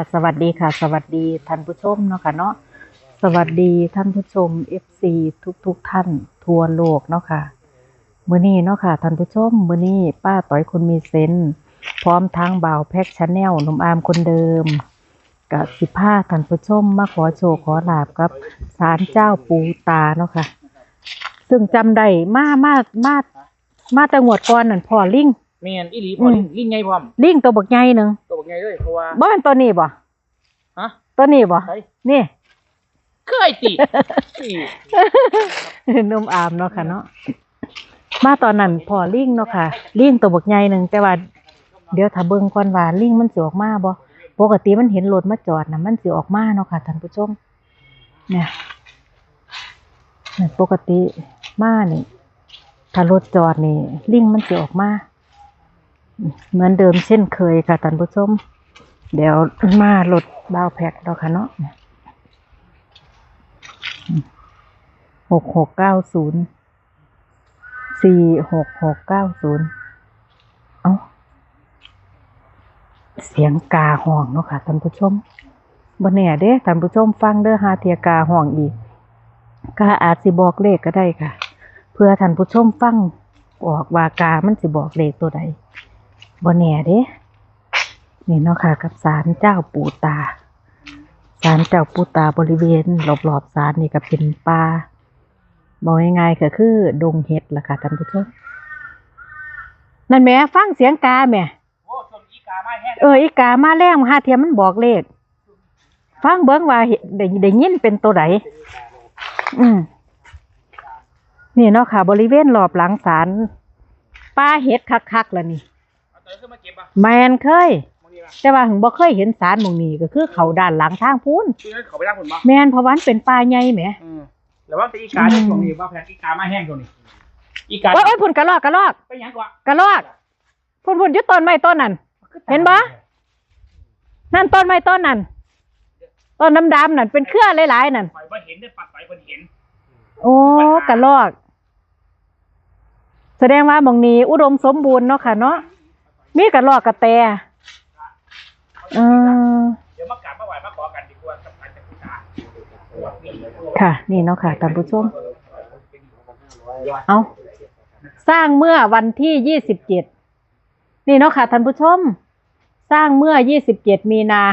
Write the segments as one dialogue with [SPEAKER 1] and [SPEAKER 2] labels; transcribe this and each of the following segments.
[SPEAKER 1] สวัสดีค่ะสวัสดีท่านผู้ชมเนาะค่ะเนาะสวัสดีท่านผู้ชม FC ทุกท่านทั่วโลกเนาะค่ะมื้อนี้เนาะค่ะท่านผู้ชมมื้อนี้ป้าต้อยคนมีเซนส์พร้อมทั้งบ่าวแพ็กชาแนลหนุ่มอามคนเดิมกับสิพาท่านผู้ชมมาขอโชคขอลาบกับศาลเจ้าปู่ตาเนาะค่ะซึ่งจำได้มาแต่งวดก่อนนั่นพ่อลิง
[SPEAKER 2] แม่นอีหลีพอลิงใหญ่พร้อม
[SPEAKER 1] ลิงตัวบักใหญ่หนึ่ง
[SPEAKER 2] ตัวบักใหญ่เลยเพราะว่า
[SPEAKER 1] บ่เป็นตัวนี้บ่
[SPEAKER 2] ฮะ
[SPEAKER 1] ตัวนี้บ่นี่
[SPEAKER 2] เคยติ
[SPEAKER 1] นุ่มอามเนาะค่ะเนาะมาตอนนั้นพอลิงเนาะค่ะลิงตัวบักใหญ่หนึ่งแต่ว่าเดี๋ยวถ้าเบิ่งก่อนว่าลิงมันสิออกมาบ่ปกติมันเห็นรถมาจอดน่ะมันสิออกมาเนาะค่ะท่านผู้ชมเนี่ยปกติมานี่ถ้ารถจอดนี่ลิงมันสิออกมาเหมือนเดิมเช่นเคยค่ะท่านผู้ชมเดี๋ยวมารถบ่าวแพ็กเนาะค่ะเนาะ6690 46690เอ้าเสียงกาห้องเนาะค่ะท่านผู้ชมบ่แน่เด้ท่านผู้ชมฟังเด้อหาเทียกาห้องอีกกาอาจสิบอกเลขก็ได้ค่ะเพื่อท่านผู้ชมฟังออกว่ากามันสิบอกเลขตัวใดบ่แน่เด้นี่เนาะค่ะกับศาลเจ้าปู่ตาศาลเจ้าปู่ตาบริเวณรอบๆศาลนี่ก็เป็นป่าบอกง่ายๆก็คือดงเห็ดล่ะค่ะท่านผู้ชมนั่นแหมฟังเสียงกาแหม
[SPEAKER 2] โอ้ชมอีกามาแห้ง
[SPEAKER 1] อีกามาแล้งหาเทียมมันบอกเลขฟังเบิ่งว่าได้ยินเป็นตัวใดนี่เนาะค่ะบริเวณรอบหลังศาลป่าเห็ดคักๆล่ะนี่แม่นเคยแต่ว่าถึงบ่เคยเห็นศาลหม้องนี้ก็คือเขาด้านหลังทางพูน
[SPEAKER 2] เขาไปทางพุ่นบ่
[SPEAKER 1] แม่นเพราะว่ามันเป็นป่าใหญ่แหม
[SPEAKER 2] แล้วว่าแต่อีกาตรงนี้ว่าแพนอีกามาแห้งตรงนี้อีกา
[SPEAKER 1] โอ้ยพุ่นกระรอก
[SPEAKER 2] ไปหยังกว่าก
[SPEAKER 1] ระรอกพุ่นอยู่ต้นไม้ต้นนั้นเห็นบ่นั่นต้นไม้ต้นนั้นต้นดำๆนั่นเป็นเครือหลายๆนั่น
[SPEAKER 2] ข่อยบ่เห็นได้ปัดไปเพิ่นเห็น
[SPEAKER 1] โอ้กระรอกแสดงว่าหม้องนี้อุดมสมบูรณ์เนาะค่ะเนาะมีกระรอกกระแต
[SPEAKER 2] เดี๋ยวมากราบมาไหว้มาขอกันดีกว่ากับการจัดการ
[SPEAKER 1] ค่ะนี่เนาะค่ะท่านผู้ชมเอาสร้างเมื่อวันที่27นี่เนาะค่ะท่านผู้ชมสร้างเมื่อ27มีนา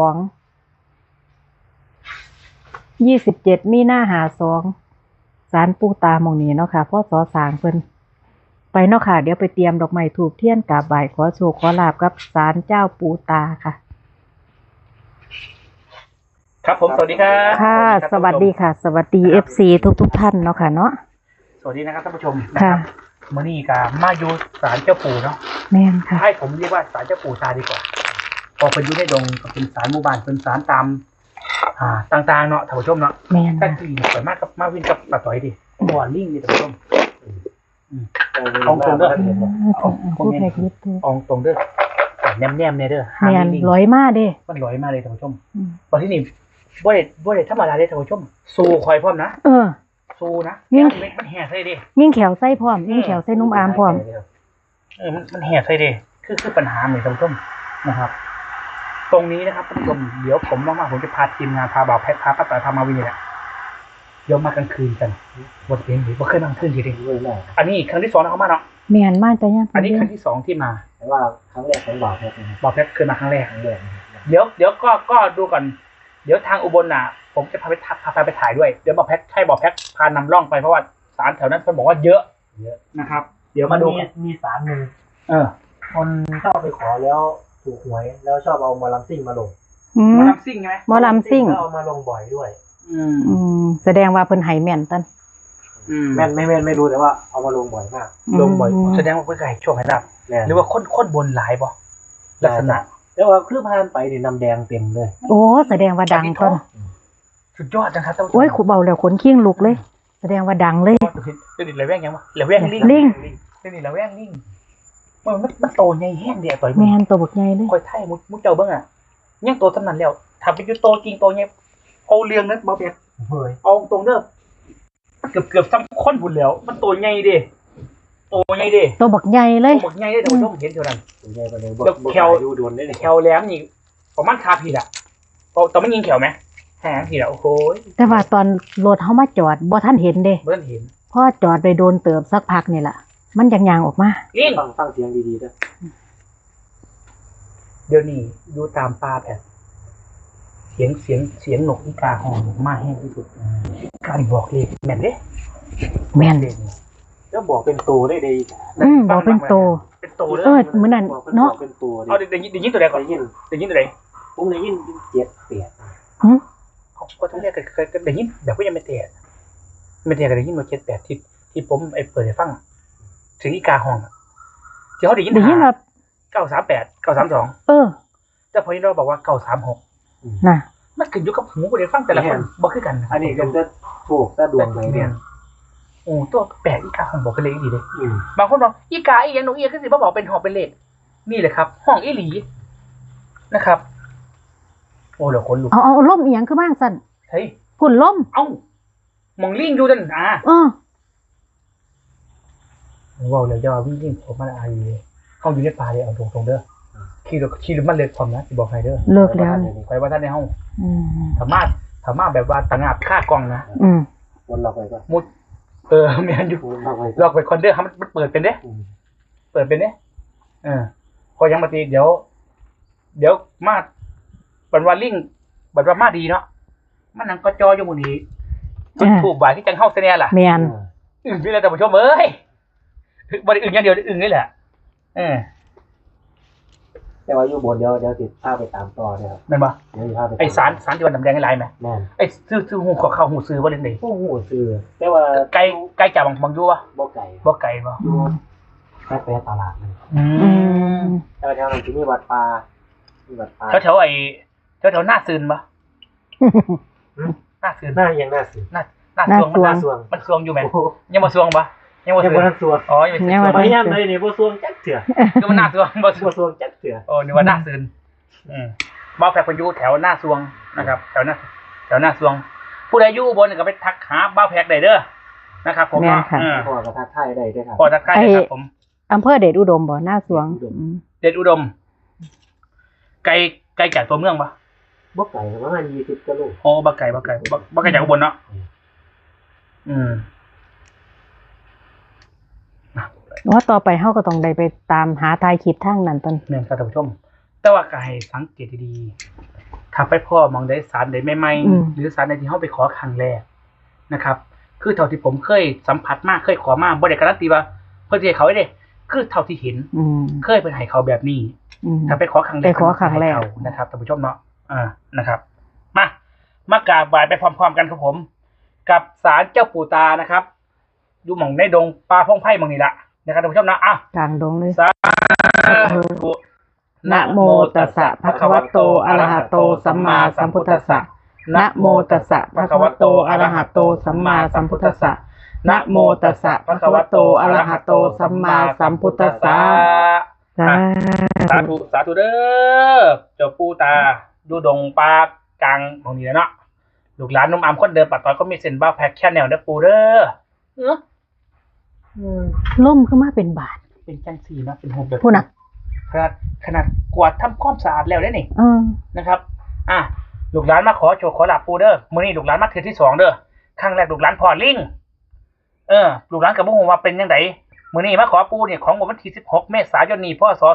[SPEAKER 1] 27มีนา52ศาลปู่ตาหม้องนี้เนาะค่ะพ่อสอสร้างเพิ่นไปเนาะค่ะเดี๋ยวไปเตรียมดอกไม้ธูปเทียนกราบไหว้ขอโชคขอลาภกับศาลเจ้าปู่ตาค่ะ
[SPEAKER 2] ครับผมสวัสดีครับ
[SPEAKER 1] ค่ะสวัสดีค่ะสวัสดี FC ทุกท่านเนาะค่ะเนาะ
[SPEAKER 2] สวัสดีนะครับท่านผู้ชม
[SPEAKER 1] ค่ะ
[SPEAKER 2] มื้อนี้ก็มาอยู่ศาลเจ้าปู่เนาะ
[SPEAKER 1] แม่นค่ะ
[SPEAKER 2] ให้ผมเรียกว่าศาลเจ้าปู่ตาดีกว่าพอเป็นอยู่ในดงก็เป็นศาลหมู่บ้านเป็นศาลตามต่างๆเนาะท่านผู้ชมเนาะ
[SPEAKER 1] แม่น
[SPEAKER 2] แต่ที่สวยมากกับมาวินกับป้าต้อยดิบ่อลิงนี่ท่านผู้ชมตรงเด้อตรงเด้อแนมเนี่ยเด้อ
[SPEAKER 1] แม่นลอยมาเด้
[SPEAKER 2] มันลอยมาเลยท่านผู้ชมวันที่นี่บ่ได้ธรรมดาเลยท่านผู้ชมสู้คอยพร้อมนะสู้นะมันแห่ใส่ดิ
[SPEAKER 1] ยิ่งแขวไส้พร้อมยิ่งแขวไส้นุ่มอามพร้อม
[SPEAKER 2] มันแห่ใส่ดิคือปัญหาเหมือนท่านผู้ชมนะครับตรงนี้นะครับท่านผู้ชมเดี๋ยวผมว่างๆผมจะพาทีมงานพาบ่าวแพทพาป้าต่อยพามาวินเนี่ยเดี๋ยวมากลางคืนกันบทเพลงหรือว่าเคยมากลางคืนทีเดียวอันนี้ครั้งที่2นะเขามาเนาะ
[SPEAKER 1] แม่นมาแต่ยัง
[SPEAKER 2] อันนี้ครั้งที่2ที่มา
[SPEAKER 3] แต่ว่าครั้งแรกของบ่าวแพท
[SPEAKER 2] เคยมาครั้งแรกเดี๋ยวก็ดูก่อนเดี๋ยวทางอุบลน่ะผมจะพาไปถ่ายด้วยเดี๋ยวบ่าวแพทพานำร่องไปเพราะว่าศาลแถวนั้นเขาบอกว่าเยอะนะครับเดี๋ยวมาดู
[SPEAKER 3] มีศาลนึงคนชอบไปขอแล้วถูกหวยแล้วชอบเอาหมอลำซิ่งมาลง
[SPEAKER 2] หมอลำซิ่งใช่ไหม
[SPEAKER 1] หมอลำซิ่ง
[SPEAKER 3] เอามาลงบ่อยด้วย
[SPEAKER 1] แสดงว่าเพิ่นให้แม่นตัน
[SPEAKER 3] แม่นไม่รู้แต่ว่าเอามาลงบ่อยมาก
[SPEAKER 2] ลงบ่อยแสดงว่าเพิ่นให้โชคให้ลาภหรือว่าคนบนหลายบ่ลักษณะ
[SPEAKER 3] แต่ว่าคือพานไปนี่น้ำแดงเต็มเลย
[SPEAKER 1] โอ้แสดงว่าดังต้น
[SPEAKER 2] สุดยอดนะครับ
[SPEAKER 1] โอ้ยขู่เบาแล้วขนขิ้งลุกเลยแสดงว่าดังเลย
[SPEAKER 2] เดี๋ยวนี้ระแวงยังวะระแวงลิงเดี๋ยวนี้ระแวงลิงมันโตใหญ่แห้งเดียวต่อย
[SPEAKER 1] แม่นโตบักใหญ่เลย
[SPEAKER 2] ค่อยไทยมุดเจ้าเบิ่งอ่ะยังโตสำนันแล้วถ้าเป็นอยู่โตจริงโตใหญ่เอาเรื่องนั้นบ่เปียกเอาตรงเด้อเกือบซ้ำคนบุญแล้วมันโตใหญ่ดิโต
[SPEAKER 1] บักใหญ่เลย
[SPEAKER 2] บักใหญ่เลยท่านผู้ชมเห็นเท่านั้น
[SPEAKER 3] ใหญ่ไปเลย
[SPEAKER 2] แควแหลมนี่ประมาณคาผิดอ่ะตอนมันยิงแขวไหมแหงทีละโอ้โห
[SPEAKER 1] แต่ว่าตอนรถเฮามาจอดบ่ทันเห็นเด้
[SPEAKER 2] เบิ้ลเห็น
[SPEAKER 1] พอจอดไปโดนเติบสักพักนี่ล่ะ มันยังยางออกมา
[SPEAKER 2] ลิง
[SPEAKER 3] ฟังเสียงดีๆด้วย
[SPEAKER 2] เดี๋ยวนี้ดูตามป่าแบบเสียงนกอีกาหอนมาแห้งที่สุดการบอกเลยแม่นเด้
[SPEAKER 1] แม่น
[SPEAKER 2] เด่น
[SPEAKER 3] แล้วบอกเป็นตัวได้ดี
[SPEAKER 1] บอกเป็นโต
[SPEAKER 2] เป็นโตเลย
[SPEAKER 1] มื้อนั้น
[SPEAKER 3] บอก
[SPEAKER 1] เนาะ
[SPEAKER 3] เป็นตัว
[SPEAKER 2] เอาเดี๋ยวยินตัวใดก่อน
[SPEAKER 3] ได้ยิน
[SPEAKER 2] เดี๋ยวยินตัวใด
[SPEAKER 3] ผมได้ยินเจ็ดเปียด
[SPEAKER 1] หึ
[SPEAKER 2] เขาก็ต้องเรียกเคยเดี๋ยวยินแบบว่ายังไม่เตะไม่เตะก็ได้ยินมา78ที่ผมเปิดให้ฟังถึงอีกาห้องที่เขาได้ยิน
[SPEAKER 1] ได้ยินว่า
[SPEAKER 2] 938 932
[SPEAKER 1] เออ
[SPEAKER 2] แต่พอที่เราบอกว่า936
[SPEAKER 1] น่ะ
[SPEAKER 2] มันขึ้นอยู่กับหูผู้ใดฟังแต่ละคนบ่คือกัน
[SPEAKER 3] อันนี้ก็จะถูกถ้าดวงไหนเนี่ย
[SPEAKER 2] โอ้ตัวแปลกอีกาห้องบอกเป็นเลขดีเลย
[SPEAKER 3] อืม
[SPEAKER 2] บางคนบอกอีกาอีหยังนกเอียก็สิมาบอกเป็นหอบเป็นเลขนี่เลยครับ ห้องอีหลีนะครับ โอ้เหลือคนลุก
[SPEAKER 1] เอาล่มอีหยังคือบ้างสั่น
[SPEAKER 2] เฮ้ย
[SPEAKER 1] พุ่นล่ม
[SPEAKER 2] เอ้ามองลิงดูดันว้าวเลยจะว่าวิ่งลิงผมมันอายุเข้าอยู่ในป่าเลยเอาตรงๆเด้อขี่รถมันเลิกความนะสิบอกใครเด้อ
[SPEAKER 1] เลิกแล้วนี่
[SPEAKER 2] ไปว่าท่านในห้อง
[SPEAKER 1] อืม
[SPEAKER 2] สามารถแบบว่าต่างงาบค่ากล้องนะ
[SPEAKER 1] อืม
[SPEAKER 3] วนเราไปก็
[SPEAKER 2] มุดแม่นอยู่
[SPEAKER 3] วนเราไป
[SPEAKER 2] ลอกไปคอนเดอร์มันเปิดเป็นเด้ เปิดเป็นเด้พอยังมาตีเดี๋ยวมาบันว่าลิงบันว่ามาดีเนาะมันนั่งก็จออยู่หมู่นี้จุดถูกบ่ายที่จังเฮาเสเนี่ยล่ะ
[SPEAKER 1] แม่น
[SPEAKER 2] อึ่งนี่แหละท่านผู้ชมเอ้ยบ่ได้อึ่งอย่างเดียวอึ่งนี่แหละ
[SPEAKER 3] แต่ว่าอยู่บนเดี๋ยวติดภาพไปตามต่อเนี่ยครับ
[SPEAKER 2] แม่นบ่
[SPEAKER 3] เดี๋ยวภาพไป
[SPEAKER 2] ไอ้สารที่มันดำแดงไอ้ลายไหม
[SPEAKER 3] แม่น
[SPEAKER 2] ไอ้ซื้อหูเข้าหูซื้อบ่เล่นได้
[SPEAKER 3] โอ้โหซื้อแต่ว่า
[SPEAKER 2] ไกลจากบางอยู่บ่
[SPEAKER 3] บ่ไก่
[SPEAKER 2] บ่ไกลบ่
[SPEAKER 3] อยู่แค่ไปตลาดเลย
[SPEAKER 1] อืม
[SPEAKER 3] แต่ว่าแถวนั้นจะมีวัดป่ามีวัดป่า
[SPEAKER 2] แถวไอ้แถวหน้าซืนบ่หน้าซืน
[SPEAKER 3] หน้ายังน่าซื้อ
[SPEAKER 2] หน้าซวง
[SPEAKER 3] หน้าสวง
[SPEAKER 2] มันซวงอยู่ไหม
[SPEAKER 3] โอ้โห
[SPEAKER 2] ยังบ่ซวงบ่ยังบ่
[SPEAKER 3] ยัง
[SPEAKER 2] ซว
[SPEAKER 3] บ่
[SPEAKER 2] ง
[SPEAKER 3] ทันสวง
[SPEAKER 2] อ๋อยังไม่ซวง
[SPEAKER 3] พยายามเลยนี่บ่สวงจักเถื่อ
[SPEAKER 2] คือมันหน้าซวงบ่ซว
[SPEAKER 3] บ่
[SPEAKER 2] ง
[SPEAKER 3] สวงจักเถื่อ
[SPEAKER 2] โอ้นึกว่าหน้าซืนบ่าวแพรคนอยู่แถวหน้าซวงนะครับแถวหน้าซวง ผู้ใดอยู่อุบนก็ไปทักหาบ่าวแพรได้เด้อนะครับผม
[SPEAKER 1] แม่นค่ะ
[SPEAKER 3] พ่อกระทักทายได้ด้วยครับ
[SPEAKER 2] พอทักทายได้ครับผม
[SPEAKER 1] อำเภอเดชอุดมบ่หน้าสวงอืม
[SPEAKER 2] เดชอุดม ไกลจากตัวเมืองปะ
[SPEAKER 3] บ่ไก่ประมาณ20กิโล
[SPEAKER 2] โอ้บ่ไกลจากอุบลเนาะ
[SPEAKER 1] ว่าต่อไปเฮาก็ต้องได้ไปตามหาทายคลิปทางนั้นตอน
[SPEAKER 2] แม่นครับท่านผู้ชม แต่ว่าก็ให้สังเกตดีๆถ้าไปพ่อมองได้สารได้ใหม่ๆหรือสารใดที่เฮาไปขอครั้งแรกนะครับ คือเท่าที่ผมเคยสัมผัสมากเคยขอมาบ่ได้การันตีว่าเพิ่นสิให้เขาได้คือเท่าที่เห็น
[SPEAKER 1] อืม
[SPEAKER 2] เคยเป็นให้เขาแบบนี้
[SPEAKER 1] อืม
[SPEAKER 2] ถ้าไปขอครั้งแรก
[SPEAKER 1] ไปขอครั้งแรก
[SPEAKER 2] ให้เขานะครับท่านผู้ชมเนาะนะครับ มากราบไหว้ไปพร้อมๆกันครับผม กับศาลเจ้าปู่ตานะครับอยู่หม่องในดงป่าพงไผ่หม่องนี้ละนะครับท่านผู้ชมนะ
[SPEAKER 1] กลางดงเลย
[SPEAKER 2] สาธุ
[SPEAKER 1] นะโมตัสสะภะคะวะโตอะระหะโตสัมมาสัมพุทธัสสะนะโมตัสสะภะคะวะโตอะระหะโตสัมมาสัมพุทธัสสะนะโมตัสสะภะคะวะโตอะระหะโตสัมมาสัมพุทธัสสะสาธุ
[SPEAKER 2] สาธุเด้อเจ้าปู่ตาดูดงป่ากลางหม่องนี้แล้วเนาะลูกหลานนุ่มอามคนเดิมปัดต่อยก็มีเส้นบ้าแพ็คแค่แนวเด้อปู่เด้อ
[SPEAKER 1] ล่มขึ้นมาเป็นบาท
[SPEAKER 2] เป็นจังสีนะเป็นหกแบบ
[SPEAKER 1] พูดนะ
[SPEAKER 2] ขนาดกวาดทำความสะอาดแล้วได้นี่
[SPEAKER 1] เออ
[SPEAKER 2] นะครับลูกหลานมาขอโชคขอลาบปูเด้อมื้อนี้ลูกหลานมาเทื่อที่2เด้อครั้งแรกลูกหลานพอลิงลูกหลานก็บ่ฮู้ว่าเป็นจังไดมื้อนี้มาขอปูเนี่ยของวันที่16เมษายนนี้พศ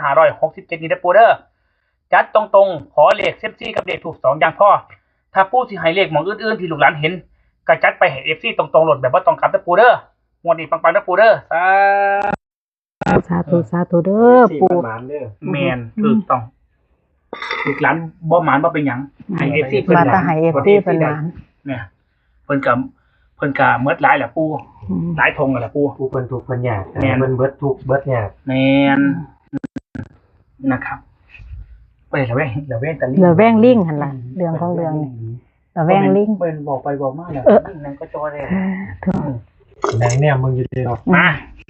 [SPEAKER 2] 2567นี้เด้อปูเด้อจัดตรงๆขอเลขเซฟซี่กับเลขถูก2อย่างพอถ้าปูสิให้เลขหม่องอื่นๆที่ลูกหลานเห็นก็จัดไปให้ FC ตรงๆโหลดแบบบ่ต้องกลับเด้อปูเด้องวดนี้ปังๆเด้อปูเด้อ
[SPEAKER 1] สาธุสาธุเด้อ
[SPEAKER 3] สี่
[SPEAKER 1] ปู่
[SPEAKER 3] หมานเด้อ
[SPEAKER 2] แมนถูกต้องลูกหลานบ่หมานบ่เป็นหยังให้ FC เพิ่น
[SPEAKER 1] มา
[SPEAKER 2] ห
[SPEAKER 1] ตาไห้เอฟซีเพิ่นมา
[SPEAKER 2] เนี่ยเพิ่นก็เมิดหลายแหละปู่หลายธงแหละปู่
[SPEAKER 3] ผู้เพิ่นทุกข์เพิ่นยาก
[SPEAKER 2] แม่น
[SPEAKER 3] เพิ่นเบิดทุกข์เบิดยาก
[SPEAKER 2] แมนนะครับไปละแวงตะลิง
[SPEAKER 1] เหลือแว่งลิงหั่นล่ะเรื่องของเรื่องนี่เหลือแว่งลิง
[SPEAKER 2] เพิ่นบอกไปบอกมาแล้วลิงนั้นก็จอได้
[SPEAKER 3] ไหนเนี่ยมึงอยู่เด้อ
[SPEAKER 2] มา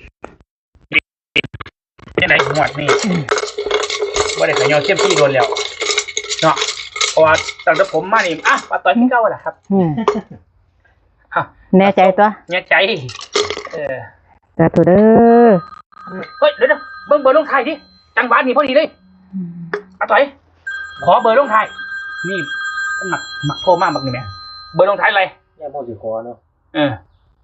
[SPEAKER 2] จังได๋หวดนี่บ่ได้ขยอเทียมที่โดนแล้วเนาะเพราะว่าตั้งแต่ผมมานี่ปาต่อยที่เก่าล่ะครับ
[SPEAKER 1] แน่ใจตัว
[SPEAKER 2] เนี่ยใจ
[SPEAKER 1] สาธุเด้อ
[SPEAKER 2] เฮ้ยเดี๋ยวเบิ่งเบอร์ลงท้ายดิจังหวะนี้พอดีเลยอาต่อยขอเบอร์ลงท้ายนี่มันหมักโทรมากบักนี่แม่เบอร์ลงท้ายอะไร
[SPEAKER 3] เนี่ยโมสิคอเนาะ
[SPEAKER 2] เออ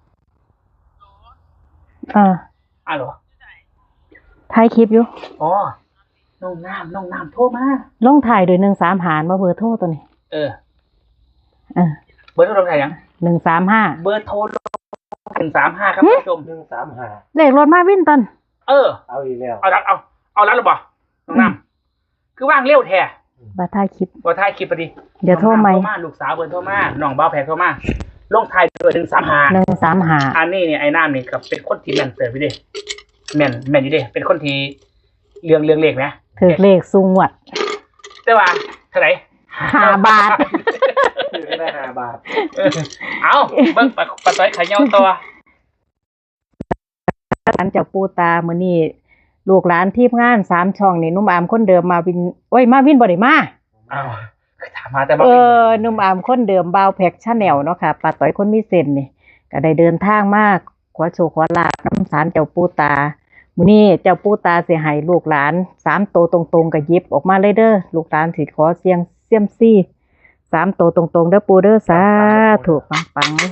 [SPEAKER 2] เหรอ
[SPEAKER 1] ถ่ายคลิปอยู่
[SPEAKER 2] อ๋อน้องน้ำโทรมา
[SPEAKER 1] ลงถ่ายโดย13หารมาเบอร์โทรตัวนี้
[SPEAKER 2] เออเบอร์โทรลงท้ายยัง
[SPEAKER 1] 135
[SPEAKER 2] เบอร์โทร135ครับท่านผู้ชม
[SPEAKER 3] 135
[SPEAKER 1] เลขรถมาวินตัน
[SPEAKER 2] เออ
[SPEAKER 3] เอาอีกแล้ว
[SPEAKER 2] เอาแล้วหรือเปล่าน้องน้ำคือว่างเร็วแท้
[SPEAKER 1] บ่ถ่ายคลิป
[SPEAKER 2] ว่าท้ายคลิปพอดี
[SPEAKER 1] เดี๋ยวโทรใหม่
[SPEAKER 2] น้องน้ำโทรมาลูกสาวเบอร์โทรมาน้องเบาแพกโทรมาลงท้ายด้วย135
[SPEAKER 1] 135
[SPEAKER 2] อันนี้เนี่ยไอ้น้ำนี่กับเป็นคนที่แม่นเสิร์ฟอยู่ดิแม่นอยู่ดิเป็นคนที่เรื่องเลขนะ
[SPEAKER 1] ถือเลขสูงงวด
[SPEAKER 2] แต่ว่าเท่าไหร่
[SPEAKER 1] 5 บาท
[SPEAKER 3] คือได้5 บาท
[SPEAKER 2] เอาเบิ่งปะต้อยไข่เหี่ยวตัว
[SPEAKER 1] หลังจากปูตามื้อนี้ลูกหลานทีมงาน3ช่องนี่หนุ่มอามคนเดิมมาวินโอ้ยมาวินบ่ได้มา
[SPEAKER 2] อ้าวถามมาแต่ว่า
[SPEAKER 1] หนุ่มอามคนเดิมบ่าวแพ็กชาแนลเนาะค่ะป้าต้อยคนมีเส้นนี่ก็ได้เดินทางมาขอโชคขอลาภนำศาลเจ้าปู่ตามื้อนี้เจ้าปู่ตาสิให้ลูกหลาน3ตัวตรงๆก็หยิบออกมาเลยเด้อลูกหลานสิขอเสี่ยงเซียมซี่3ตัวตรงๆเด้อปู่เด้อสาธุปังๆเลย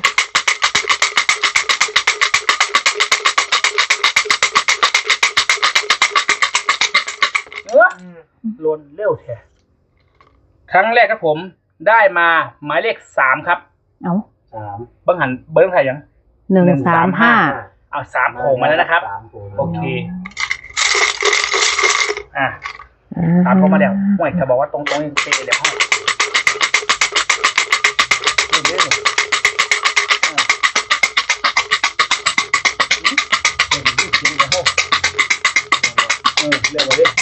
[SPEAKER 2] ลวนเร็วแท้ครั้งแรกครับผมได้มาหมายเลข3ครับ
[SPEAKER 1] เอ้า
[SPEAKER 3] 3
[SPEAKER 2] เบิ่งหันเบิ่งไทยยัง
[SPEAKER 1] 135
[SPEAKER 2] เอา3โผล่มาแล้วนะครับโอเค3โผล่มาแล้วห่วยจะบอกว่าตรงๆนี่เตะเดี๋ยวห้องเรื่อยๆเลยเรื่องอะไรดิ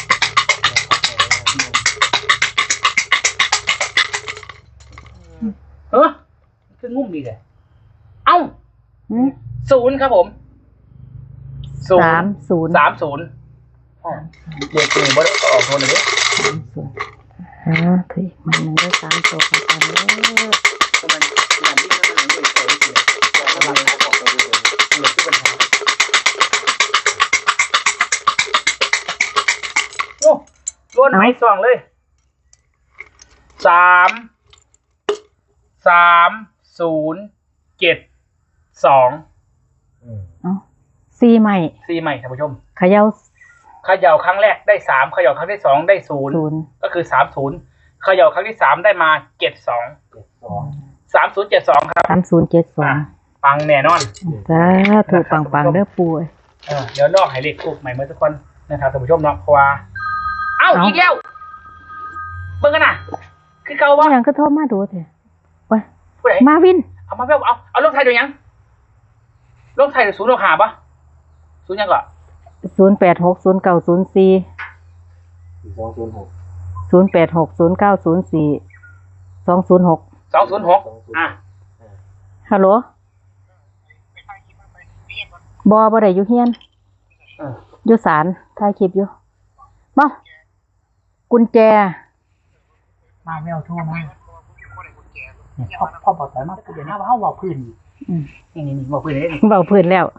[SPEAKER 2] คืองุ่มดีเลยเอ้า0ครับผม
[SPEAKER 1] 30
[SPEAKER 2] 30เด็กคือบ่ได้ออกโทนเลย
[SPEAKER 1] 30คืออีกมันหนึงได้3ตัวกันเด้อ
[SPEAKER 2] มันยิ่งมันยิ่งโตอีกเลยก็มันออกตัวเลยเหลือที่ปัญหาโอ้ล้วนไหมสองเลย3072
[SPEAKER 1] เอ้า4ใหม่
[SPEAKER 2] 4ใหม่ท่านผู้ชม
[SPEAKER 1] เขย่า
[SPEAKER 2] เขย่าครั้งแรกได้3เขย่าครั้งที่2ได้0ก็คือ30เขย่าครั้งที่3ได้มา72 3072ครับ
[SPEAKER 1] 3072
[SPEAKER 2] ปังแน่นอน
[SPEAKER 1] สาธุปังๆเด้อปู่เอ้ย
[SPEAKER 2] เดี๋ยวลอกให้เลขทูบใหม่เมื่อทุกคนนะครับท่านผู้ชมเนาะเพราะว่าเอ้าอีกแล้วเบิ่งกันน่ะคือเก่าวะ
[SPEAKER 1] หยังก็โทรมาดูแท้โอ้ย
[SPEAKER 2] ผู้ใด
[SPEAKER 1] มาวิน
[SPEAKER 2] เอามาแบบเอาลงไทยดูยังลงไทยดู0 6 5ป่ะ0ยังก่อน
[SPEAKER 1] 0860904206
[SPEAKER 2] 206
[SPEAKER 1] ฮัลโหลบ่ได้อยู่เฮียนอยู่ศาลถ่ายคลิปอยู่มากุญแจ
[SPEAKER 2] มาแมวโทรมาพ่อบอกแต่มากูเดี๋ยวหน้าว่าเฮาเว้าพื้นนี่เว้าพื้นได้นี่
[SPEAKER 1] เบาพื้นแล้ว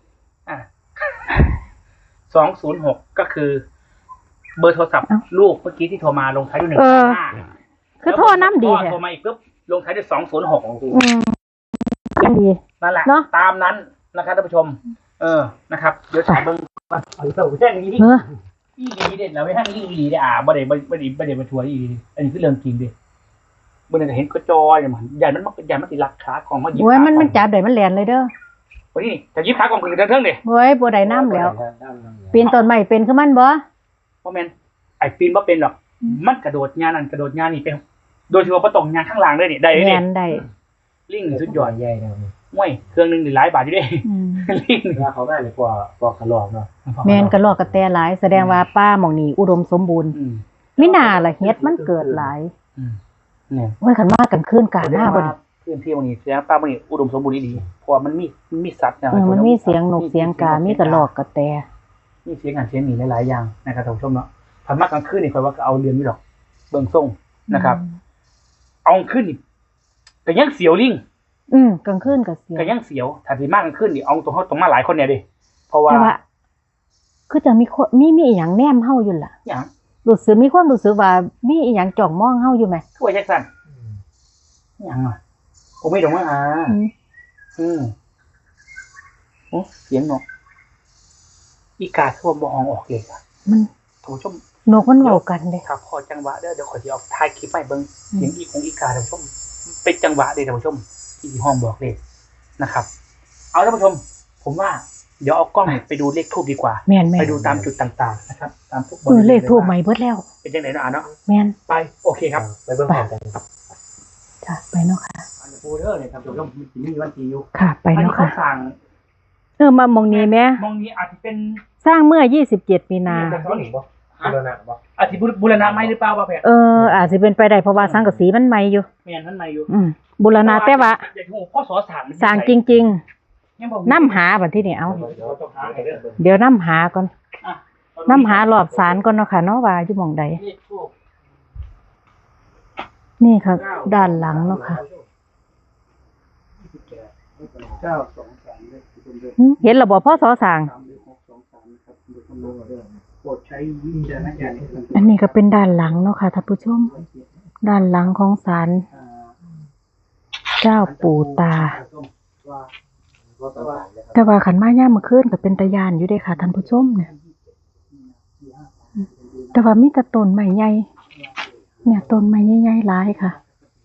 [SPEAKER 2] 206ก็คือเบอร์โทรศัพท์ลูกเมื่อกี้ที่โทรมาลงท้ายด้วย135
[SPEAKER 1] คือโทรน้ำดีแท้
[SPEAKER 2] โทรมาอีกปุ๊บลงท้ายด้วย206
[SPEAKER 1] ยังดี
[SPEAKER 2] นั่นแหละตามนั้นนะครับท่านผู้ชมนะครับเดี๋ยวถามเบิ่งว่าแค่นี้อีดีเด็ดแล้วไม่ให้อีดีได้บ่ได้มาทัวร์อีดีอันนี้คือเรื่องจริงดิเมื่อไหร่เห็นก็จอยมันใหญ่มันติดราคาของมาหยิบ
[SPEAKER 1] โอ้ยมันจับได้มันแล่นเลยเด้อ
[SPEAKER 2] วันนี้จะยิบขากองคือเทิงดิ
[SPEAKER 1] โอ้ยบ่ได้น้ำแล้วปีนต้นไม้เป็นคือมันบ่
[SPEAKER 2] เพราะแม่นไอ้ปีนบ่เป็นหรอกมันกระโดดงานนั่นกระโดดงานนี่เป็นโดยเฉพาะประตงงานข้างล่างด้วยนี่ได้ดิ
[SPEAKER 1] แม่นได้
[SPEAKER 2] ลิงสุดยอด
[SPEAKER 3] ใหญ่นะนี่
[SPEAKER 2] ห้วยเครื่องนึงนี่หลายบาทอยู่ดิลิง
[SPEAKER 3] ว่าเขาได้เลยกว่าขลอกเนาะ
[SPEAKER 1] แม่นกระรอกกระแตหลายแสดงว่าป้าหม่องนี้อุดมสมบูรณ์มิน่าล่ะเฮ็ดมันเกิดหลาย
[SPEAKER 2] เนี่ย
[SPEAKER 1] โอ้ยคันมากันคืนกลางหน้าบ่ดิ
[SPEAKER 2] พื้นที่ตรงนี้แสดงป้าตรงนี้อุดมสมบูรณ์ดีเพราะมันมีสัตว์เนี่ย
[SPEAKER 1] มันมีเสียงนกเสียงกามีกระรอกกระแต
[SPEAKER 2] มีเสียงอ่านเสียงหนีหลายๆอย่างนะครับท่านผู้ชมเนาะพันมากกลางคืนนี่คอยว่าก็เอาเรือนนี่หรอกเบิ่งส่งนะครับ เอาขึ้นนี่ก็ยังเสียวลิง
[SPEAKER 1] กลางคืนก็เสีย
[SPEAKER 2] ก็ยังเสียวถ้าสิมากกลางคืนนี่เอาตรงเขาตรงมาหลายคนเนี่ยดิเพราะว่า
[SPEAKER 1] แต่ว่าคือจะมีคนมีอีหยังแนมเฮาอยู่ล่ะ
[SPEAKER 2] หยัง
[SPEAKER 1] รู้สึกมีความรู้สึกว่ามีอีหยังจ้องมองเฮาอยู่ไหม
[SPEAKER 2] คือว่าจังซั่นยังอ่ะผมไม่ดอกว่าโอ้เสียงนกอีกาคือว่าบ่ห้องออกเลยค่ะ
[SPEAKER 1] มัน
[SPEAKER 2] ท่านผู้ชม
[SPEAKER 1] นกมันเว้ากันเด้
[SPEAKER 2] ครับพอจังหวะเดี๋ยวขอที่เอาถ่ายคลิปไปเบิ่งเสียงอีของอีกาท่านผู้ชมเป็นจังหวะเด้ท่านผู้ชมที่ห้องบอกเลยนะครับ เอาท่านผู้ชม ผมว่าเดี๋ยวเอากล้องไปดูเลขทูบดีกว่า
[SPEAKER 1] แม่นๆ
[SPEAKER 2] ไปดูตามจุดต่างๆนะครับตามทุก
[SPEAKER 1] เลขทูบใหม่เบิดแล้ว
[SPEAKER 2] เป็นยังไงเนาะเนาะ
[SPEAKER 1] แม่น
[SPEAKER 2] ไปโอเคครับ
[SPEAKER 3] ไปเบิ่งพร้อมกัน
[SPEAKER 1] จ้ะไปเนาะค่ะ
[SPEAKER 2] อันนี้ปูเดอร์เนี่ยท่านผู้ชมมันมีวันที่อยู่
[SPEAKER 1] ค่ะไป
[SPEAKER 2] อันนี้
[SPEAKER 1] เนาะ
[SPEAKER 2] เขา
[SPEAKER 1] ค่ะ
[SPEAKER 2] สั่ง
[SPEAKER 1] มามองนี้แม่
[SPEAKER 2] มองนี้อาจจะเป็น
[SPEAKER 1] สร้างเมื่อ27มีนา
[SPEAKER 3] เขาหนีบ่บูรณะบ่
[SPEAKER 2] อาจจะบูรณะไหมหรือเปล่าว่าแพทย์
[SPEAKER 1] อาจสิเป็นไปได้เพราะว่าสังกะสีมันใหม่อยู่
[SPEAKER 2] ไม่อย่างนั้นไม่อยู่
[SPEAKER 1] บูรณะแต่ว่า
[SPEAKER 2] อยากจะรู้พ่อสอสั่งมัน
[SPEAKER 1] สร้างจริง
[SPEAKER 2] ยังบอก
[SPEAKER 1] ๆนํหาบัดที่นี่เอา
[SPEAKER 3] เดี๋ยวต้องหาให้เด้อ
[SPEAKER 1] เดี๋ยวนํหาก่อน
[SPEAKER 2] อ่ะ
[SPEAKER 1] นํหารอบศาลก่อนเนาะค่ะเนาะว่าอยู่หม่องใด
[SPEAKER 2] เลขทูบ
[SPEAKER 1] นี่ค่ะ ด้านหลังเนาะค่ะ
[SPEAKER 2] 923เลขทูบเด้อ
[SPEAKER 1] เห็นระบบพ่อสอสร้าง
[SPEAKER 2] 3623นะครับดูคำนวณเอาเด้อโปรดใช้วิจารณญาณในการ
[SPEAKER 1] อันนี้ก็เป็นด้านหลังเนาะค่ะท่านผู้ชม ด้านหลังของศาลเจ้าปู่ตา แต่ว่าขันมาย่ามมื้อคืนก็เป็นตาย่านอยู่เด้ค่ะท่านผู้ชมเนี่ย แต่ว่ามีแต่ต้นไม้ใหญ่เนี่ยต้นไม้ใหญ่ๆหลายค่ะ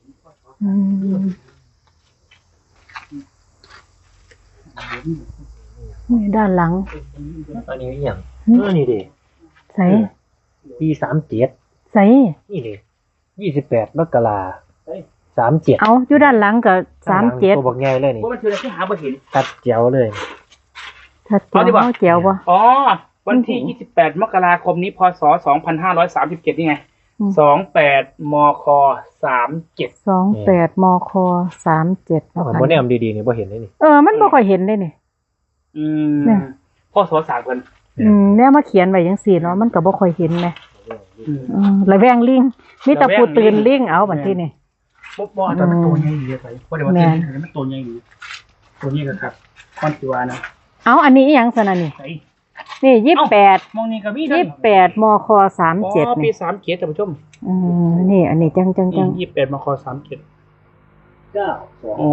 [SPEAKER 1] นี่ด้านหลัง
[SPEAKER 3] ตอนนี้อีหยังนี่ดิ
[SPEAKER 1] ใส่
[SPEAKER 3] ปี37
[SPEAKER 1] ใส่
[SPEAKER 3] นี่ดิ28มกรา37
[SPEAKER 1] เอาอยู่ด้านหลังก็37
[SPEAKER 3] ตัวบักใหญ่เลยนี่
[SPEAKER 2] ว่ามันคืออะไรที่หาบ่เห็น
[SPEAKER 3] ตัดแจ๋วเลย
[SPEAKER 1] ถ้า
[SPEAKER 2] เอาดีกว่า
[SPEAKER 1] เจียวบ่
[SPEAKER 2] อ๋อ วันที่ 28 มกราคมนี้ พศ 2537 นี่ไง 28 มค 37
[SPEAKER 1] 28 มค 37
[SPEAKER 3] ถ้า
[SPEAKER 1] เนาะ
[SPEAKER 3] ผม
[SPEAKER 1] ค่ะ
[SPEAKER 3] บ่แนมดีๆนี่บ่เห็นเลยนี่
[SPEAKER 1] มันบ่ค่อยเห็นเลยนี่ เนี่ย
[SPEAKER 2] พ่อสอสามเพิ่น
[SPEAKER 1] แนวมาเขียนไว้จังซี่เนาะมันก็บ่ค่อยเห็นแหมระแวงลิงมีแต่ผู้ตื่นลิงเอาบัดทีนี่
[SPEAKER 2] บ่อาจจะเป็นตัวใหญ่ดีเลยบ่ได้ว่าตัวนี้มันตัวใหญ่ดีตัวนี้ก็ครับคอนติวานะ
[SPEAKER 1] เอาอันนี้อีหยังซั่นน่ะนี่
[SPEAKER 2] ไส
[SPEAKER 1] นี่28
[SPEAKER 2] มองนี่ก็มี
[SPEAKER 1] 28 มค
[SPEAKER 2] อ๋อ
[SPEAKER 1] 37
[SPEAKER 2] ปี
[SPEAKER 1] นี่
[SPEAKER 2] 37ท่านผู้ชม
[SPEAKER 1] นี่อันนี้จัง
[SPEAKER 2] 28 มค 37อ๋อ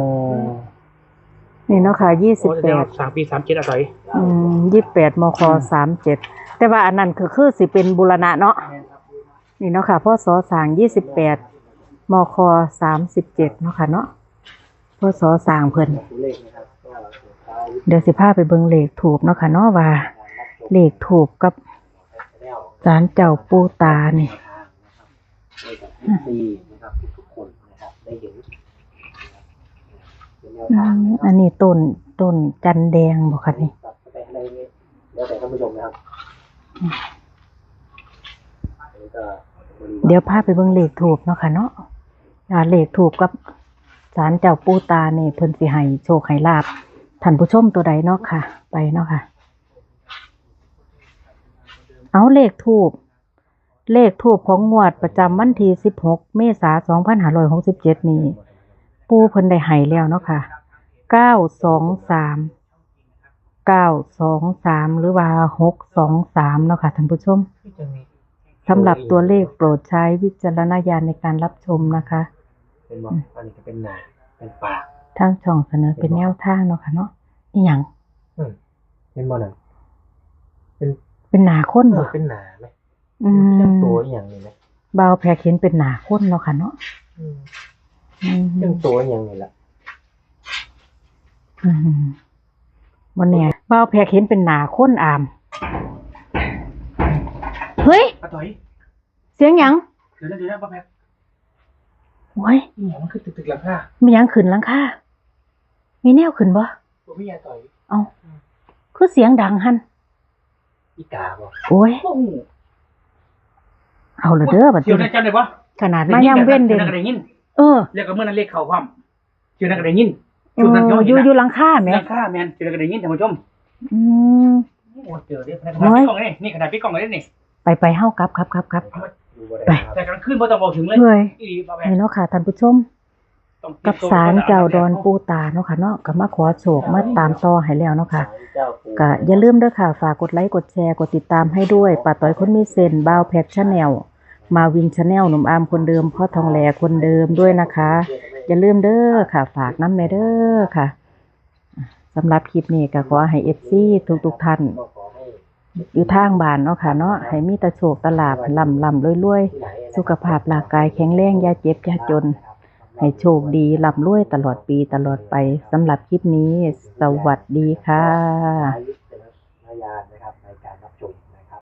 [SPEAKER 1] นี่เนาะค่ะ28
[SPEAKER 2] 3ปี37อะไร
[SPEAKER 1] 28 มค 37แต่ว่าอันนั้นคือสิเป็นบูรณะเนาะนี่เนาะค่ะพศสร้าง28 มค 37เนาะค่ะเนาะพศสร้างเพิ่นเดี๋ยวสิพาไปเบิ่งเลขถูกเนาะค่ะเนาะว่าเลขถูกกับศาลเจ้าปู่ตานี่
[SPEAKER 3] นะครับทุกคนนะครับได้เห็น
[SPEAKER 1] อันนี้ต้นจันแดงบ่ค่ะนี่
[SPEAKER 3] ตัดไปอะไรนี่แล้วแต่ท่านผู้ชมนะครับ
[SPEAKER 1] เดี๋ยวพาไปเบิ่งเลขถูกเนาะค่ะเนาะเลขถูกกับศาลเจ้าปู่ตานี่เพิ่นสิให้โชคให้ลาภท่านผู้ชมตัวใดเนาะค่ะ ไปเนาะค่ะ เอาเลขทูบของงวดประจำวันที่16 เมษายน 2567 นี้ปู่เพิ่นได้ให้แล้วเนาะค่ะ 923 หรือว่า623เนาะค่ะท่านผู้ชมสำหรับตัวเลขโปรดใช้วิจารณญาณในการรับชมนะคะ
[SPEAKER 3] เป็นบอกอันนี้จะเป็นหนาเป็นปาก
[SPEAKER 1] ทางช่องเสนอเป็นแนวทางเนาะค่ะเนาะอีหยัง
[SPEAKER 3] เป็นบอลนั่น
[SPEAKER 1] เป็นหนาคนบ่
[SPEAKER 3] เป็นหนาไหม
[SPEAKER 1] เรื่
[SPEAKER 3] เรื่องตัวอย่างนี้ไหม
[SPEAKER 1] บ่าวแพรเห็นเป็นหนาคนเนาะค่ะเนาะ
[SPEAKER 3] เรื่องตัวอย่างนี้แหละ
[SPEAKER 1] บ่แน่บ่าวแพรเห็นเป็นหนาคนอามเฮ้ย
[SPEAKER 2] ป้าต่อย
[SPEAKER 1] เสียงหยัง
[SPEAKER 2] เดี๋ยวนะป้าแพท
[SPEAKER 1] โอ้ย
[SPEAKER 2] นี่มันคือตึกหลังคา
[SPEAKER 1] มีหยังขึ้นหลังคามีแนวขึ้นบ่
[SPEAKER 2] ตัวพี่ยาต่อย
[SPEAKER 1] เอ้าคือเสียงดังหั่น
[SPEAKER 3] อีกาบอก
[SPEAKER 1] โอ้ย
[SPEAKER 2] โอ้โห
[SPEAKER 1] เอาละเด้อบัด
[SPEAKER 2] เดี๋ยว
[SPEAKER 1] นี้
[SPEAKER 2] นะจำได้ปะ
[SPEAKER 1] ขนาดมาย่ำเว้นเด่น
[SPEAKER 2] ได้ยิน
[SPEAKER 1] เออ
[SPEAKER 2] เรียกกับเมื่อนั้นเรียกเขาความเดี๋ยวนักได้ยิน
[SPEAKER 1] อยู่หลังคาแหม
[SPEAKER 2] หลังคาแมนเดี๋ยวนักได้ยินท่านผู้ชม
[SPEAKER 1] อืม
[SPEAKER 2] โอ้เจอเด้ขนาดพี่กล้องเลยนี่ขนาดพี่กล้องเลยนี่
[SPEAKER 1] ไปเฮากลับ
[SPEAKER 3] ดูว่า
[SPEAKER 1] ไป
[SPEAKER 2] แต่กลางคืนพอต้องบอกถึงเลย
[SPEAKER 1] เฮ้ย
[SPEAKER 2] อีหลีป้าแพท
[SPEAKER 1] นี่เนาะค่ะท่านผู้ชมกับศาลเจ้าดอนปู่ตาเนาะค่ะเนาะก็มาขอโชคมาตามต่อให้แล้วเนาะค่ะก็อย่าลืมเด้อค่ะฝากกดไลค์กดแชร์กดติดตามให้ด้วยป้าต้อยคนมีเซนบ่าวแพ็กชาแนลมาวินชาแนลหนุ่มอามคนเดิมพ่อทองแหลคนเดิมด้วยนะคะอย่าลืมเด้อค่ะ ฝากน้ำแน่เด้อค่ะสำหรับคลิปนี้ก็ขอให้ FC ทุกท่านอยู่ทางบ้านเนาะค่ะเนาะให้มีแต่โชคแต่ลาภร่ำรวยๆสุขภาพร่างกายแข็งแรงอย่าเจ็บอย่าจนให้โชคดีร่ำรวยตลอดปีตลอดไปสำหรับคลิปนี้สวัสดีค่ะ
[SPEAKER 3] ใช้วิจารณญาณนะครับ